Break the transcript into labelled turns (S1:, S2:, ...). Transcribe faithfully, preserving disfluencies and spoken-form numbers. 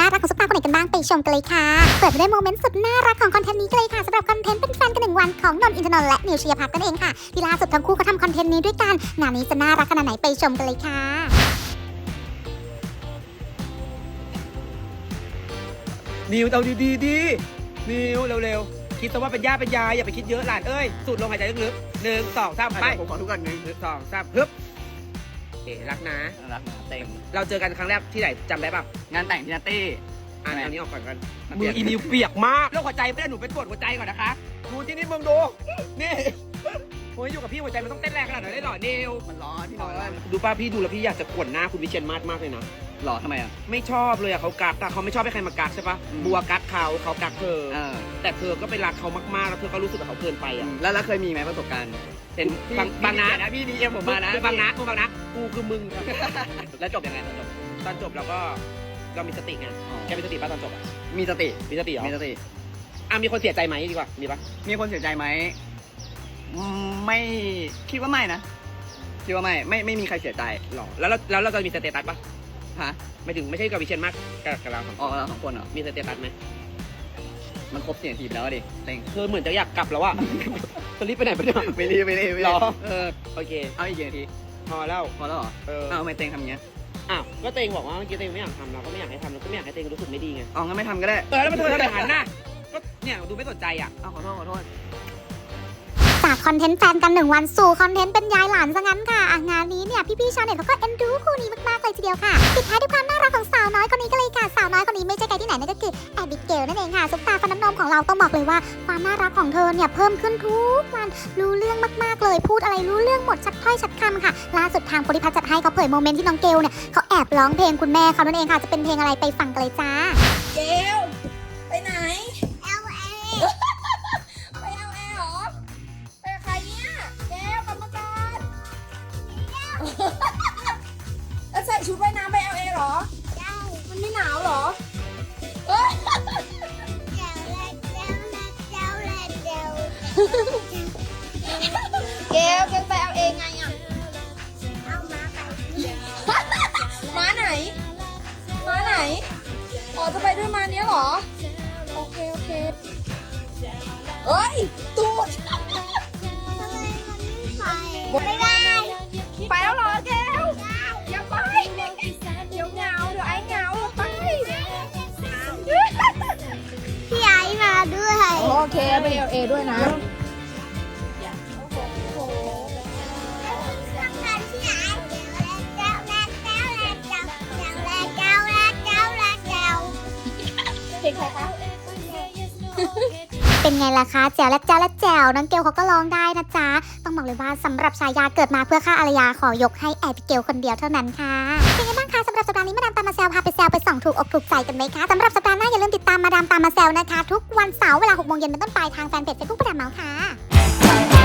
S1: น่ารักของซุปตาคนไหนกันบ้างไปชมกันเลยค่ะเปิดไปด้วยโมเมนต์สุดน่ารักของคอนเทนต์นี้กันเลยค่ะสำหรับคอนเทนต์เป็นแฟนกันหนึ่งวันของนนท์อินทนนท์และนิวชียพัฒน์กันเองค่ะที่ล่าสุดทั้งคู่เขาทำคอนเทนต์นี้ด้วยกันงานนี้จะน่ารักขนาดไหนไปชมกันเลยค่ะ
S2: นิวเอาดีๆดีนิวเร็วๆคิดซะว่าเป็นย่าเป็นยายอย่าไปคิดเยอะหลานเอ้ยสูดลมหายใจลึกๆหนึ่งสองสามไป
S3: ผมขอทุกคนหนึ่ง
S2: หนึ่งสองสามฮึบเอ๋รักนะ
S3: รักนะเต็ง
S2: เราเจอกันครั้งแรกที่ไหนจำได้ป่ะ
S3: งานแต่งพี่นัตตี้
S2: อ่านอันนี้ออกก่อนกัน
S3: เปี
S2: มื
S3: ย
S2: อก อีนิวเปียกมากแล้วหัวใจไม่ได้หนูเป็นปวดหัวใจก่อนนะคะดูที่นี่มึงดูนี่โอ้ยอยู่กับพี่หัวใจมันต้องเต้นแรงขนาดไหนได้หรอนิว
S3: มันร้อนพี่น้อย
S2: ดูป้าพี่ดูแล้วพี่อยากจะขวนหน้าคุณวิเชียรมาศมากเลยนะ
S3: หล่อทำไมอ่ะ
S2: ไม่ชอบเลยอะเขากักแต่เขาไม่ชอบให้ใครมากักใช่ปะ
S3: อืม
S2: บัวกักเขาเขากักเธอ
S3: เออ
S2: แต่เธอก็ไปรักเขามากๆแล้วเธอก็รู้สึกกับเขาเกินไปอะ
S3: แล้วแล้วเคยมีไหมประสบการณ์
S2: เป็นบางบางนะ
S3: นะพี่ดีเอ็มผมมานะ
S2: บางนะกูบางนะกูคือมึง
S3: แล้วจบยังไงตอนจบ
S2: ตอนจบเราก็เรามีสติไงแกมีสติป่ะตอนจบอะ
S3: มีสติ
S2: มีสติเหรอ
S3: มีสติ
S2: อ่ะมีคนเสียใจไหมดีกว่ามีปะ
S3: มีคนเสียใจไหมอืมไม่คิดว่าไม่นะคิดว่าไม่ไม่ไม่มีใครเสียใจ
S2: หรอแล้วเราแล้วเราจะมีสเตตัสปะ
S3: ฮะ
S2: ไม่ถึงไม่ใช่กับวิเชียรมากกับกับเราสอง
S3: อ๋อ
S2: คน
S3: เราสองคนเหรอ
S2: มีสเตตัสไหม
S3: มันครบสี่นาทีไปแล้วดิเต็ง
S2: เธอเหมือนจะอยากกลับแล้วอะจะรีบไปไหนไปเนี่ย
S3: ไม่รีบไม่รีบไม่
S2: หร
S3: รี
S2: อบ
S3: เออ
S2: โอเค
S3: เอาอีกกี่นาที
S2: พอแล้ว
S3: พอแล้วเหรอ
S2: เออ
S3: อ้าวทำไมเต็งทำอย่างเงี้ย
S2: อ้าวก็เตงบอกว่าเมื่อกี้เตงไม่อยากทำเราก็ไม่อยากให้ทำเราก็ไม่อยากให้เตงรู้สึกไม่ดีไง
S3: เอางั้นไม่ทำก็ได้
S2: เออแล้วมันเธอทำอย่างนั้นน่ะก็เนี่ยดูไม่สนใจอ่ะ
S3: เอาขอโทษขอโทษ
S1: จากคอนเทนต์แฟนกันหนึ่งวันสู่คอนเทนต์เป็นยายหลานซะงั้นค่ะอ่ะงานนี้เนี่ยพี่ๆชาวเน็ตเขาก็เอ็นดูคู่นี้มากๆเลยทีเดียวค่ะปิดท้ายด้วยความน่ารักของสาวน้อยคนนี้กันเลยค่ะสาวน้อยคนนี้ไม่ใช่ใครที่ไหนนั่นก็คือแอบิเกลนั่นเองค่ะซุปตาฟันน้ำนมของเราต้องบอกเลยว่าความน่ารักของเธอเนี่ยเพิ่มขึ้นทุกวันรู้เรื่องมากๆเลยพูดอะไรรู้เรื่องหมดชัดถ้อยชัดคำค่ะล่าสุดทางโพลิพัฒน์จัดให้เขาเผยโมเมนต์ที่น้องเกลเนี่ยเขาแอบร้องเพลงคุณแม่เขานั่นเองค่ะจะเป็นเพลงอะไรไปฟังกันเลยจ้า
S4: เกลไปไหน เอลเอ ไปเอลเอเหรอ ไปกับใครเนี่ย เกลกลับมาก่อนแล้วใส่ชุดว่ายน้ำไปเอลเอเหรอ ใช่ มันไม่หนาวเหรอเอ้ยเกลเกลไปเอลเอไงอ่ะ เอามาไปม้าไหน ม้าไหน อ๋อจะไปด้วยมาเนี้ยเหรอ โอเค โอเคเอ้ย ตูดไม่ได้ ไปแล้วเหรอแก้วอย่าไป เดี๋ยวเหงา เดี๋ยวไอ้เหงาไป
S1: พี่ไอมาด้วย
S4: โอเค ไปเอลเอด้วยนะ เพลงใครคะ
S1: เป็นไงล่ะคะแจ๋วและแจ๋วและแจ๋วน้องเกลเขาก็ร้องได้นะจ๊ะต้องบอกเลยว่าสำหรับชายาเกิดมาเพื่อฆ่าอารยาขอยกให้แอบิเกลคนเดียวเท่านั้นค่ะเป็นไงบ้างคะสำหรับสัปดาห์นี้มาดามตามมาแซวพาไปแซวไปส่องถูกอกถูกใจกันไหมคะสำหรับสัปดาห์หน้าอย่าลืมติดตามมาดามตามมาแซวนะคะทุกวันเสาร์เวลาหกโมงเย็นเป็นต้นไปทางแฟนเพจเฟซบุ๊กมาดามเมาส์ค่ะ